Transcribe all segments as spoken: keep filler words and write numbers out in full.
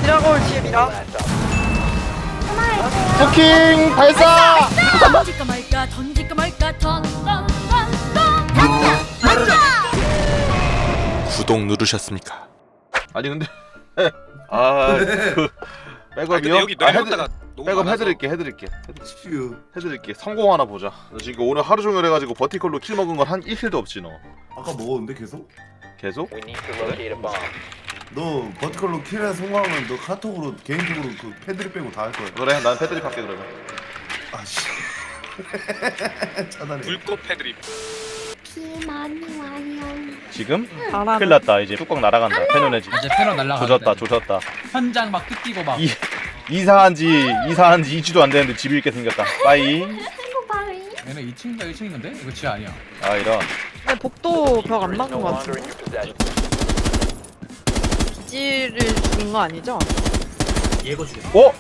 미라가 올 뒤에 미라. 쿠킹 발사! 던질까 말까 던질까 말까 던던던던 구독 누르셨습니까? 아니 근데 아그 백업이요? 여기 아, 내려갔다가 해드, 너무 백업 많아서. 해드릴게 해드릴게 해드- 해드릴게 성공 하나 보자. 너 지금 오늘 하루 종일 해가지고 버티컬로 킬 먹은 건 한 일 킬도 없지 너. 아까 먹었는데 계속? 계속? 너 버티컬로 킬에 성공하면 너 카톡으로 개인적으로 그 패드립 빼고 다 할 거야. 그래 난 패드립 할게 그러면. 아씨. 차단해. 불꽃 패드립. 비 많이 와요. 지금? 바람. 큰일 났다 이제 뚜껑 날아간다. 페노네지 이제 패널 날라가. 조졌다 조졌다. 현장 막 뜯기고 막. 이 이사한지 이사한지 이 주도 안 되는데 집 잃게 생겼다. 빠이. 얘네 이 층인가 일 층인데? 이거 지하 아니야. 아 이런. 근데 복도 벽 안 막은 것 같은데. 기지를 죽인 거 아니죠? 어?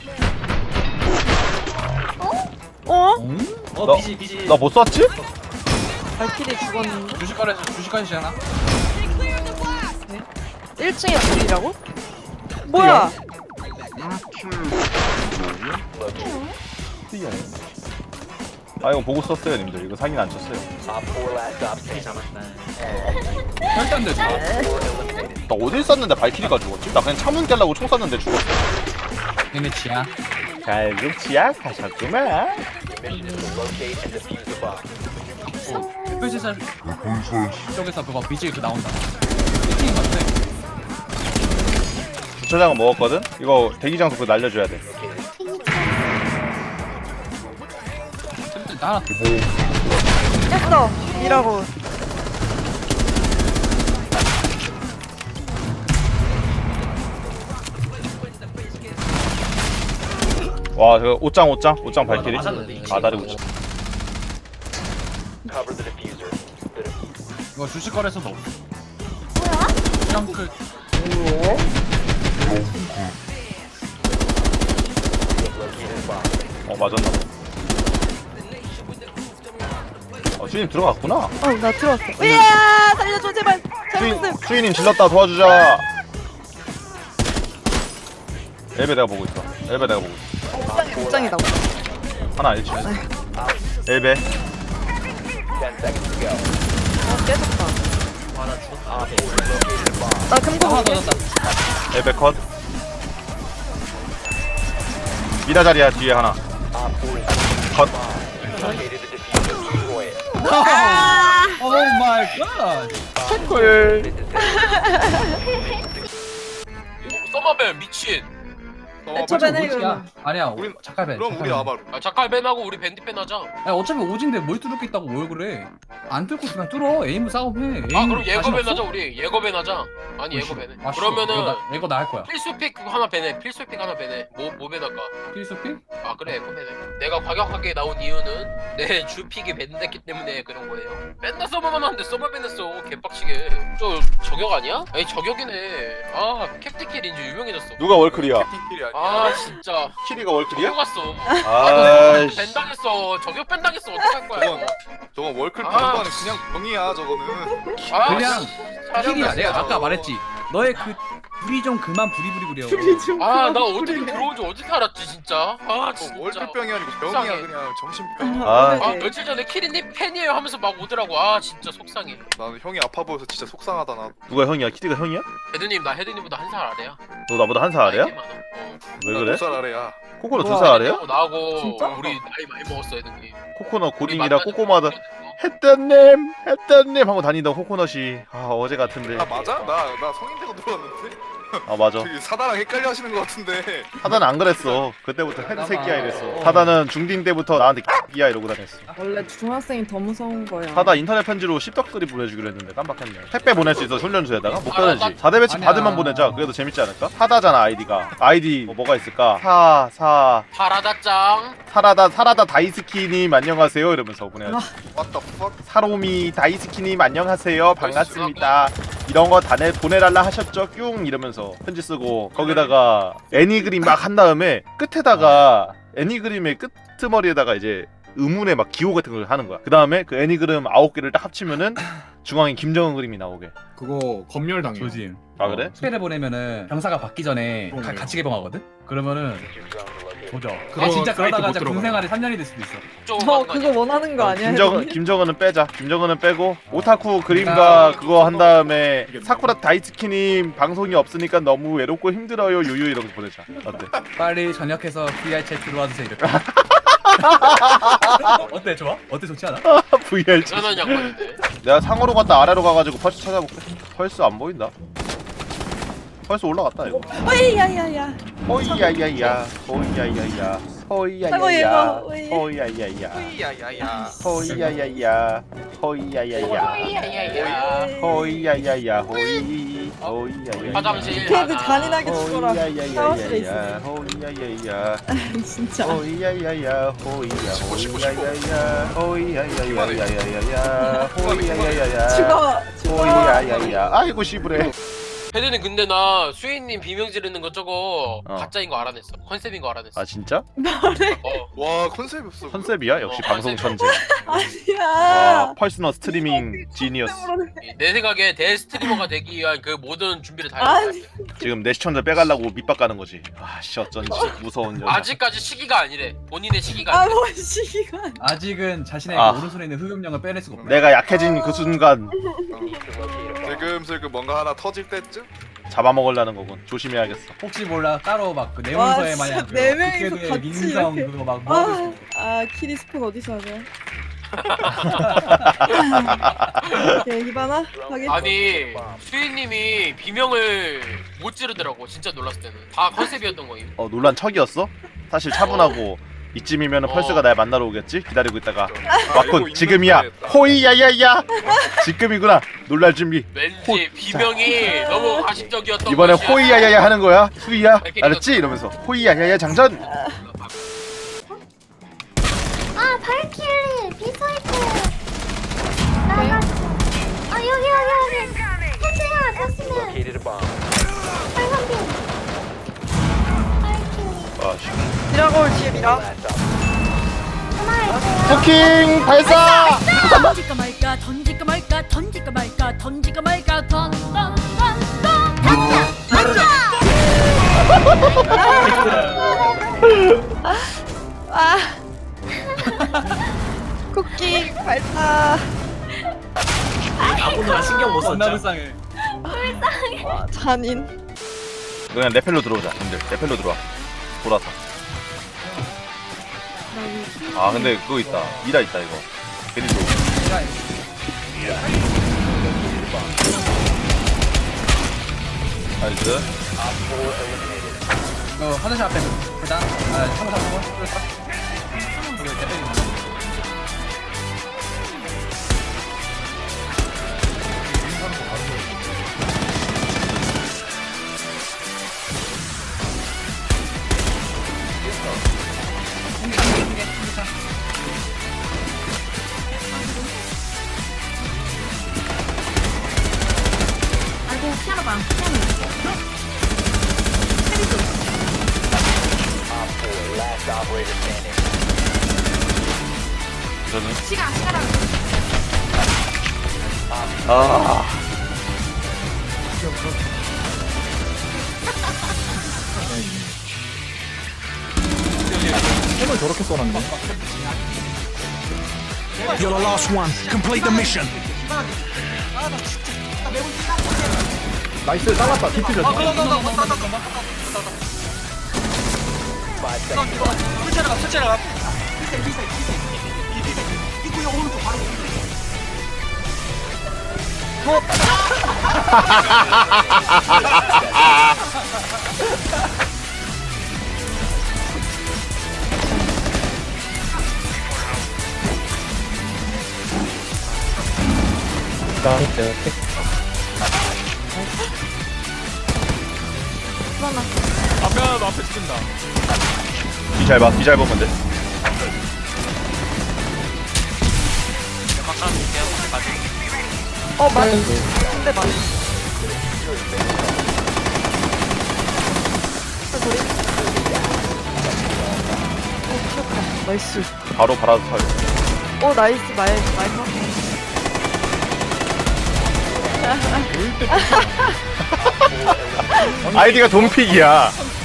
어? 응? 나 못 쐈지? 발키리 죽었는데? 주식거래에서 주식거래시잖아. 일 층에 불이라고? 뭐야? 아 이거 보고 썼어요 님들. 이거 사기는 안 쳤어요. 절대 안 되지. 나 어딜 쐈는데 발키리가 죽었지? 나 그냥 창문 깨려고 총 쐈는데 죽었어. 얘네 지하. 결국 지약하셨구만. 햇볕에서 쪽에서 그거 비질 그 나온다. 일 층인 것 같아. 주차장은 먹었거든? 이거 대기장소 그거 날려줘야 돼. 나 하나 했어! 미라고. 와, 그 옷장 옷장 옷장 발키리. 아다리 옷장. 이거 주식거래에서도 없어. 뭐야? 덩크. 어 맞았나 봐. 어 주인님 들어갔구나. 어, 나 들어왔어. 으야! 살려줘, 제발! 주인 잘못했음! 주인님 질렀다 도와주자. 엘베 내가 보고 있어. 엘베 내가 보고 있어. 옷장이다. 하나 일치. 엘베. 어, 깨졌다. 나 금고 하나 볼게. 더 졌다. 엘베 컷. 미라 자리야 뒤에 하나. 컷. 오 마이 갓. 꿀. 서머벤 미친. 애초에는 뭐지야? 이거. 아니야. 우린- 작가벤. 그럼 우리 아마루. 아 자칼벤하고 우리 밴디벤 하자. 야 어차피 오진데 뭘 뚫을 게 있다고 뭘 그래? 안 뚫고 그냥 뚫어. 에임을 싸움해. 에임 아 그럼 자신 예거벤 없어? 하자 우리. 예거벤 하자. 아니 예거벤 해. 아, 싫어. 이거 그러면은 나, 이거 나 할 거야. 필수픽 그거 하나 베네. 필수픽 하나 베네. 뭐뭐 베나까? 필수픽? 아 그래 예거 베네. 내가 과격하게 나온 이유는 내 주픽이 밴됐기 때문에 그런 거예요. 맨날 서머만 하는데 서머 밴했어. 개빡치게. 저 저격 아니야? 아니 저격이네. 아 캡틴킬 인지 유명해졌어. 누가 월클이야? 아 진짜. 키리가 월클이야? 뛰어갔어. 아이씨. 밴 당했어. 저격 밴 당했어. 어떡할 거야? 저건 저건 월클 아. 방법은 그냥 병이야 저거는. 아, 그냥 씨, 킬이야. 내가 아까 저거. 말했지. 너의 그 불이 좀 그만 부리부리 부려. 아, 나 어떻게 들어온 줄 어떻게 알았지, 진짜? 아, 진짜. 월클병이 아니고 병이야 속상해. 그냥 정신병. 아. 아, 며칠 전에 키리님 팬이에요 하면서 막 오더라고. 아, 진짜 속상해. 나는 형이 아파 보여서 진짜 속상하다 나. 누가 형이야? 키리가 형이야? 헤드님, 나 헤드님보다 한 살 아래야. 너 나보다 한 살 아래야? 나이 꽤 많아. 어. 왜 그래? 두살 아래야. 코코넛 두 우와. 살 아래야? 헤드님하고 나하고 진짜? 우리 나이 많이 먹었어, 헤드님. 코코넛 우리 고딩이라 만나자마자 꼬꼬마다 그랬어. 했던님 했던님 하고 다니던 코코넛이 아 어제 같은데. 아 맞아? 나 나 성인 되고 들어왔는데. 아 맞아. 저기 사다랑 헷갈려 하시는 것 같은데. 하다는 안 그랬어. 그때부터 헤드 새끼야 이랬어. 하다는 중딩 때부터 나한테 끼야 이러고 다녔어. 원래 중학생이 더 무서운 거야. 하다 인터넷 편지로 십덕들이 보내주기로 했는데 깜빡했네. 택배 보낼 수 있어 훈련소에다가 못 보내지. 사 대 배치 아니야. 받으면 보내자. 그래도 재밌지 않을까? 하다잖아 아이디가. 아이디 뭐, 뭐가 있을까? 사 사 파라다짱. 사라다 사라다 다이스키님 안녕하세요 이러면서 보내야지. What the fuck? 사로미 다이스키님 안녕하세요 반갑습니다. 이런 거 다 보내달라 하셨죠? 뀨 이러면서 편지 쓰고 거기다가 애니그림 막 한 다음에 끝에다가 애니그림의 끄트머리에다가 이제 의문의 막 기호 같은 걸 하는 거야. 그 다음에 그 애니그램 아홉 개를 딱 합치면은 중앙에 김정은 그림이 나오게. 그거 검열당해. 조짐. 아 그래? 스펠을 보내면은 병사가 받기 전에 가, 그러네요. 같이 개봉하거든? 그러면은 보죠. 그거 아 진짜 사이트 그러다가 못 진짜 들어가요. 군생활이 삼 년이 될 수도 있어. 좀 저 그거 원하는 거 아니야? 김정은 혜진이? 김정은은 빼자. 김정은은 빼고 오타쿠 그림과 그거 한 다음에 사쿠라 다이츠키님 방송이 없으니까 너무 외롭고 힘들어요 유유 이렇게 보내자. 어때? 빨리 전역해서 브이알 채 들어와 주세요 이렇게. 어때 좋아? 어때 좋지 않아? 브이알 대단한 양반인데. 내가 상으로 갔다 아래로 가가지고 펄스 찾아볼게. 펄스 안 보인다. 펄스 올라갔다 이거. 어이 야야야. 호이야야야 호이야야야 호이야야야 아이고, 얘가, 어이. 호이야야야 야야야. 호이야야야 호이야야야 야야야. 호이야야야 호이 호이야야야 화장실 걔도 하나. 잔인하게 죽어라. 샤워실에 호이야야야 있어. 호이야야야 진짜. 호이야야야 호이야 씹어, 씹어, 씹어. 호이야야야 호이야야야야야야 호이야야야 죽어. 죽어. 호이야야야 아이고 씨부래. 헤드는 근데 나 수인님 비명 지르는 거 저거 어. 가짜인 거 알아냈어. 컨셉인 거 알아냈어. 아 진짜? 어. 와 컨셉이 없어. 컨셉이야 역시 어, 방송 천재. 아니야. 와 펄스너 스트리밍 지니어스. 내 생각에 대 스트리머가 되기 위한 그 모든 준비를 다 아니. 했어. 지금 내 시청자 빼가려고 밑밥 가는 거지. 아씨 어쩐지 무서운 여자. 아직까지 시기가 아니래. 본인의 시기가 아니래. 아뭔 시간. 아직은 자신의 아. 그 오른손에 있는 흑염령을 빼낼 수가 없네. 내가 약해진 그 순간 슬금슬금 뭔가 하나 터질 때쯤. 잡아먹으려는 거군. 조심해야겠어. 혹시 몰라 따로 막 그 와, 내문서에 진짜 마냥 그 네 명이서 국회도의 같이 민성 이렇게. 그거 막 모아둘 수 아, 있어. 아 키리스폰 어디서 하냐? 오케이 히바나 하겠지. 아니 수인님이 비명을 못 지르더라고. 진짜 놀랐을 때는 다 컨셉이었던 거임. 어 논란 척이었어? 사실 차분하고 이쯤이면 어. 펄스가 날 만나러 오겠지? 기다리고 있다가 아, 이거 왔군. 있는 지금이야. 거였다. 호이야야야. 지금이구나. 놀랄 준비. 왠지 비명이 너무 가식적이었던 이번에 것이야. 호이야야야 하는 거야. 수이야. 알았지? 이러면서 호이야야야 장전. 아 발키리 비사이클 나갔어. 아 여기 여기 여기 터치야 터치는 빨간빛 발키리 아 씨. 미라골 뒤에 미라. 하나 쿠킹 발사. 던질까 말까 던질까 말까 던질까 말까 던질까 말까 던던던던 던져 아. 쿠키 발사. 아무나 신경 못 썼죠. 불쌍해. 와 잔인. 그냥 레펠로 들어오자. 님들 레펠로 들어와. 돌아서. 아 근데 그거 있다. 미라 있다 이거. 괜히 또. 나이스. 어 화장실 앞에 계단. 아 참고 참고. 뚫었다. 여기 대패기 있나? 아이고 피아노 방 피아노 저는 시간 시간아 아. 손을 저렇게 써놨네. You're the last one. Complete the mission. 나이스 잘랐다. 디퓨저. 앞에 하나 앞에 죽인다. 비잘 봐. 비잘 보면 돼. 어 맞. 근데 맞. 아, 소리. 어 귀엽다. 나이스. 바로 바라도 차요. 오 나이스 마이 마이커. 아이디가 돈픽이야.